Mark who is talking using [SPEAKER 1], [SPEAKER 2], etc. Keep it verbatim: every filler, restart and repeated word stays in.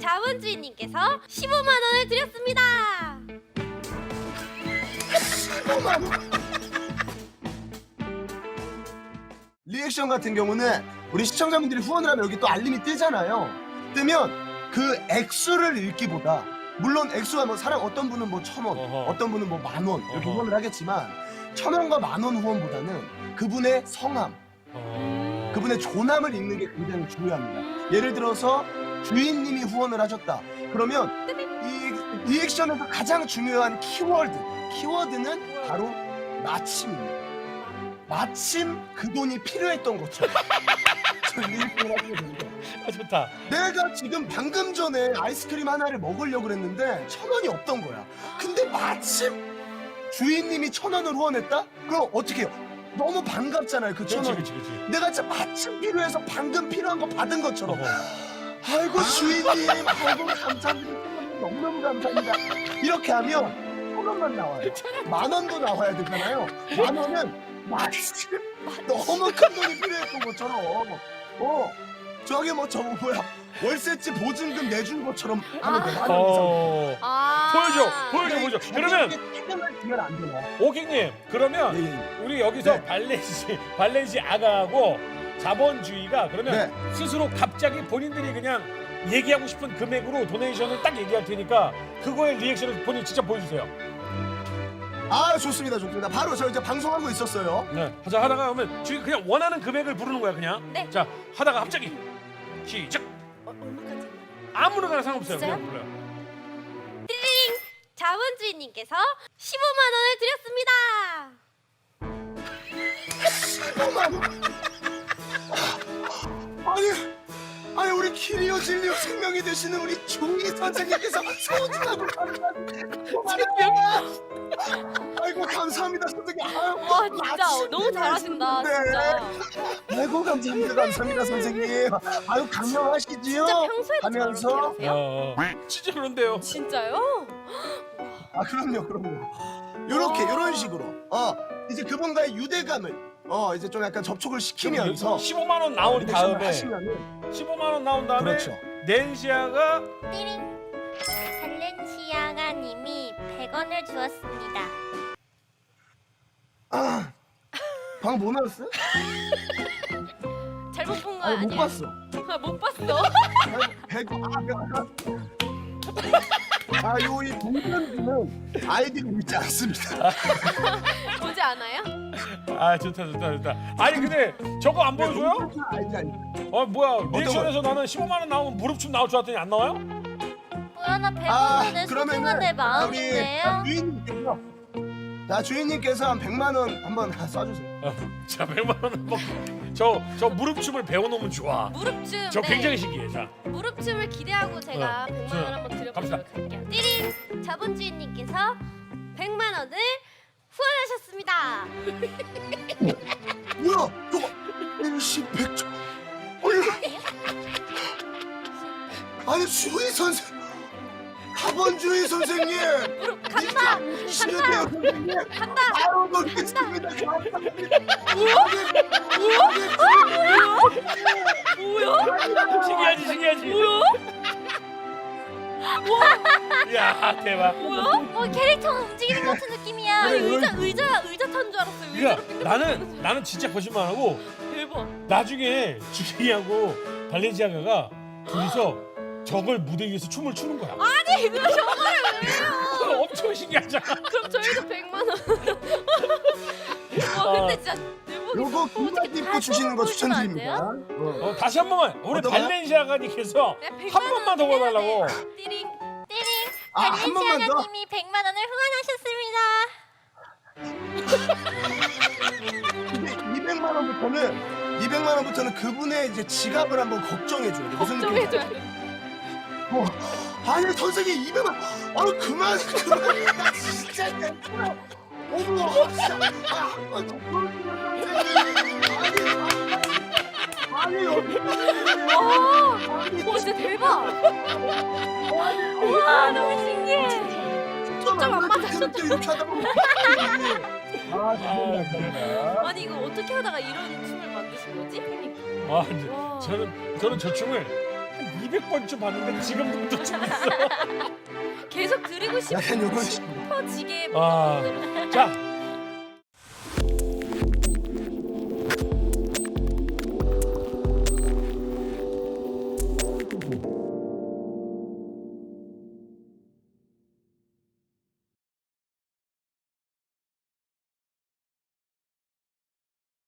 [SPEAKER 1] 자본주의님께서 십오만 원을 드렸습니다.
[SPEAKER 2] 십오만 원. 리액션 같은 경우는 우리 시청자분들이 후원을 하면 여기 또 알림이 뜨잖아요. 뜨면 그 액수를 읽기보다, 물론 액수가 뭐 사람 어떤 분은 뭐 천 원,
[SPEAKER 3] 어허.
[SPEAKER 2] 어떤 분은 뭐 만 원 이렇게
[SPEAKER 3] 어허.
[SPEAKER 2] 후원을 하겠지만 천 원과 만 원 후원보다는 그분의 성함,
[SPEAKER 3] 어...
[SPEAKER 2] 그분의 존함을 읽는 게 굉장히 중요합니다. 예를 들어서 주인님이 후원을 하셨다. 그러면 이 리액션에서 가장 중요한 키워드, 키워드는 바로 마침입니다. 마침 그 돈이 필요했던 것처럼 저 리액션을 하게 됩니다.
[SPEAKER 3] 아, 좋다.
[SPEAKER 2] 내가 지금 방금 전에 아이스크림 하나를 먹으려고 그랬는데 천 원이 없던 거야. 근데 마침 주인님이 천 원을 후원했다? 그럼 어떻게 해요? 너무 반갑잖아요, 그 천
[SPEAKER 3] 그렇지,
[SPEAKER 2] 원이.
[SPEAKER 3] 그렇지, 그렇지.
[SPEAKER 2] 내가 진짜 마침 필요해서 방금 필요한 거 받은 것처럼.
[SPEAKER 3] 어허.
[SPEAKER 2] 아이고 주인님, 아이고 감사합니다. 너무너무 감사합니다. 이렇게 하면 천 원만 나와요. 만 원도 나와야 되잖아요. 만 원은 마침 너무 큰 돈이 필요했던 것처럼. 어, 저게 뭐 저거 뭐야, 월세집 보증금 내준 것처럼 하면 돼. 만 원 이상.
[SPEAKER 3] 어...
[SPEAKER 1] 아
[SPEAKER 3] 보여줘, 보여줘, 보여줘. 그러면
[SPEAKER 2] 책임을 지면 안 되나?
[SPEAKER 3] 오킹님, 그러면
[SPEAKER 2] 예, 예, 예.
[SPEAKER 3] 우리 여기서
[SPEAKER 2] 네.
[SPEAKER 3] 발렌시 발렌시 아가하고 자본주의가 그러면
[SPEAKER 2] 네.
[SPEAKER 3] 스스로 갑자기 본인들이 그냥 얘기하고 싶은 금액으로 도네이션을 딱 얘기할 테니까 그거에 리액션을 본인 직접 보여주세요.
[SPEAKER 2] 아 좋습니다, 좋습니다. 바로 저 이제 방송하고 있었어요.
[SPEAKER 3] 네. 하자 하다가 하면 주인 그냥 원하는 금액을 부르는 거야 그냥.
[SPEAKER 1] 네.
[SPEAKER 3] 자 하다가 갑자기 시작.
[SPEAKER 1] 어, 얼마까지?
[SPEAKER 3] 아무나 상관없어요.
[SPEAKER 1] 진짜요?
[SPEAKER 3] 그냥 불러요.
[SPEAKER 1] 자본주의님께서 십오만 원을 드렸습니다.
[SPEAKER 2] 아니, 아니 우리 키리오 진리오 생명이 되시는 우리 중희 선생님께서 소중하고 감사합니다. 아이고 감사합니다 선생님. 아유,
[SPEAKER 1] 와 진짜
[SPEAKER 2] 마침
[SPEAKER 1] 너무 잘하신다
[SPEAKER 2] 필요하셨는데.
[SPEAKER 1] 진짜.
[SPEAKER 2] 아이고 감사합니다, 감사합니다 선생님. 아유 강력하시지요.
[SPEAKER 1] 진짜 평소에도
[SPEAKER 2] 하면서
[SPEAKER 1] 저렇게 하세요?
[SPEAKER 3] 어, 어. 진짜 그런데요.
[SPEAKER 1] 진짜요?
[SPEAKER 2] 아 그럼요, 그럼요. 요렇게
[SPEAKER 1] 와.
[SPEAKER 2] 요런 식으로 어 이제 그분과의 유대감을 어 이제 좀 약간 접촉을 시키면서
[SPEAKER 3] 십오만 원 나온
[SPEAKER 2] 리액션을
[SPEAKER 3] 다음에
[SPEAKER 2] 하시면은
[SPEAKER 3] 십오만 원 나온 다음에
[SPEAKER 2] 그렇죠.
[SPEAKER 3] 낸시아가
[SPEAKER 1] 띠링. 발렌시아가님이 백 원을 주었습니다.
[SPEAKER 2] 아 방금 뭐 나왔어요?
[SPEAKER 1] 잘못 본 거
[SPEAKER 2] 아니 못
[SPEAKER 1] 아니에요?
[SPEAKER 2] 봤어.
[SPEAKER 1] 아, 못 봤어?
[SPEAKER 2] 백 아, 요 이 동전주는 아이디가 있지 않습니다.
[SPEAKER 1] 보지 않아요?
[SPEAKER 3] 아 좋다 좋다 좋다. 아니 근데 저거 안 보여줘요?
[SPEAKER 2] 동전주 아이디 아니.
[SPEAKER 3] 어 뭐야
[SPEAKER 2] 거?
[SPEAKER 3] 리액션에서 나는 십오만 원 나오면 무릎춤 나올 줄 알았더니 안 나와요?
[SPEAKER 1] 뭐야 나 백
[SPEAKER 2] 아,
[SPEAKER 1] 원은
[SPEAKER 2] 그러면은
[SPEAKER 1] 소중한 내
[SPEAKER 2] 우리
[SPEAKER 1] 마음인데요?
[SPEAKER 2] 주인님께서 자 주인님께서 한 백만 원 한번 쏴주세요.
[SPEAKER 3] 어, 자 백만 원 한번 저저 무릎춤을 배워놓으면 좋아.
[SPEAKER 1] 무릎춤.
[SPEAKER 3] 저
[SPEAKER 1] 네.
[SPEAKER 3] 굉장히 신기해. 자
[SPEAKER 1] 무릎춤을 기대하고 제가
[SPEAKER 3] 어,
[SPEAKER 1] 백만
[SPEAKER 3] 자,
[SPEAKER 1] 원 한번 드려보도록
[SPEAKER 3] 갑시다.
[SPEAKER 1] 할게요. 띠링! 자본주의님께서 백만 원을 후원하셨습니다.
[SPEAKER 2] 뭐야 저거 일십백조. 아니 주의 선생, 자본주의 선생님.
[SPEAKER 1] 무릎 간다!
[SPEAKER 2] 시는데요 선생님.
[SPEAKER 1] 간다!
[SPEAKER 2] 아유 놀겠습니다. 감사합니다.
[SPEAKER 1] 뭐야?
[SPEAKER 3] 신기하지 신기하지.
[SPEAKER 1] 뭐야?
[SPEAKER 3] 야 대박.
[SPEAKER 1] 뭐야? 어, 캐릭터가 움직이는 것 같은 느낌이야.
[SPEAKER 2] 그래,
[SPEAKER 1] 의자,
[SPEAKER 2] 이런-
[SPEAKER 1] 의자, 의자 탄 줄 알았어요.
[SPEAKER 3] 그러니까
[SPEAKER 1] 의자로 빙글빙글
[SPEAKER 3] 나는 나는 진짜 거짓말하고
[SPEAKER 1] 대박.
[SPEAKER 3] 나중에 주희하고 발렌시아가가 둘이서 저걸 무대 위에서 춤을 추는 거야.
[SPEAKER 1] 아니, 그거 정말을 왜 해요?
[SPEAKER 3] 엄청 신기하잖아.
[SPEAKER 1] 그럼 저희도 백만 원. 와, 근데 진짜 대박이다.
[SPEAKER 2] 요거
[SPEAKER 1] 어떻게
[SPEAKER 2] 군바지 입고
[SPEAKER 1] 다시
[SPEAKER 2] 주시는 거
[SPEAKER 1] 한번 보여주면 안
[SPEAKER 2] 추천드립니다.
[SPEAKER 1] 돼요?
[SPEAKER 2] 어.
[SPEAKER 3] 어, 다시 한 번만 우리
[SPEAKER 2] 어떤 거요?
[SPEAKER 3] 발렌시아가님께서
[SPEAKER 1] 네, 백만
[SPEAKER 3] 한 번만 더
[SPEAKER 1] 원 해야
[SPEAKER 3] 보여달라고.
[SPEAKER 1] 돼. 띠링 띠링.
[SPEAKER 2] 아, 한 번만 더?
[SPEAKER 1] 발렌시아가님이 백만 원을 후원하셨습니다.
[SPEAKER 2] 근데 이백만 원부터는 이백만 원부터는 그분의 이제 지갑을 한번 걱정해 줘야 돼. 무슨 느낌인지
[SPEAKER 1] 걱정해줘야
[SPEAKER 2] 알죠?
[SPEAKER 1] 돼.
[SPEAKER 2] 어, 아니 선생님 이백만. 아유 그만 그만. 나 진짜 괜찮아. 어머 진짜. 아, 한번 더 보여주면 선생님. 아니 아니 여기.
[SPEAKER 1] 와, 와 진짜 대박. 와 너무 신기해. 초점 안 맞아, 초점.
[SPEAKER 2] 이렇게 하다 보면. 아 죄송합니다.
[SPEAKER 1] 아니 이거 어떻게 하다가 이런 춤을 만드신 거지?
[SPEAKER 3] 아, 근데
[SPEAKER 1] 와.
[SPEAKER 3] 저는 저는 저 춤을 한 이백 번쯤 봤는데 지금도 또 재밌어.
[SPEAKER 1] 계속 드리고
[SPEAKER 2] 약간 요런 식으로.
[SPEAKER 1] 싶어지게
[SPEAKER 3] 아.
[SPEAKER 1] 뭔가
[SPEAKER 3] 자,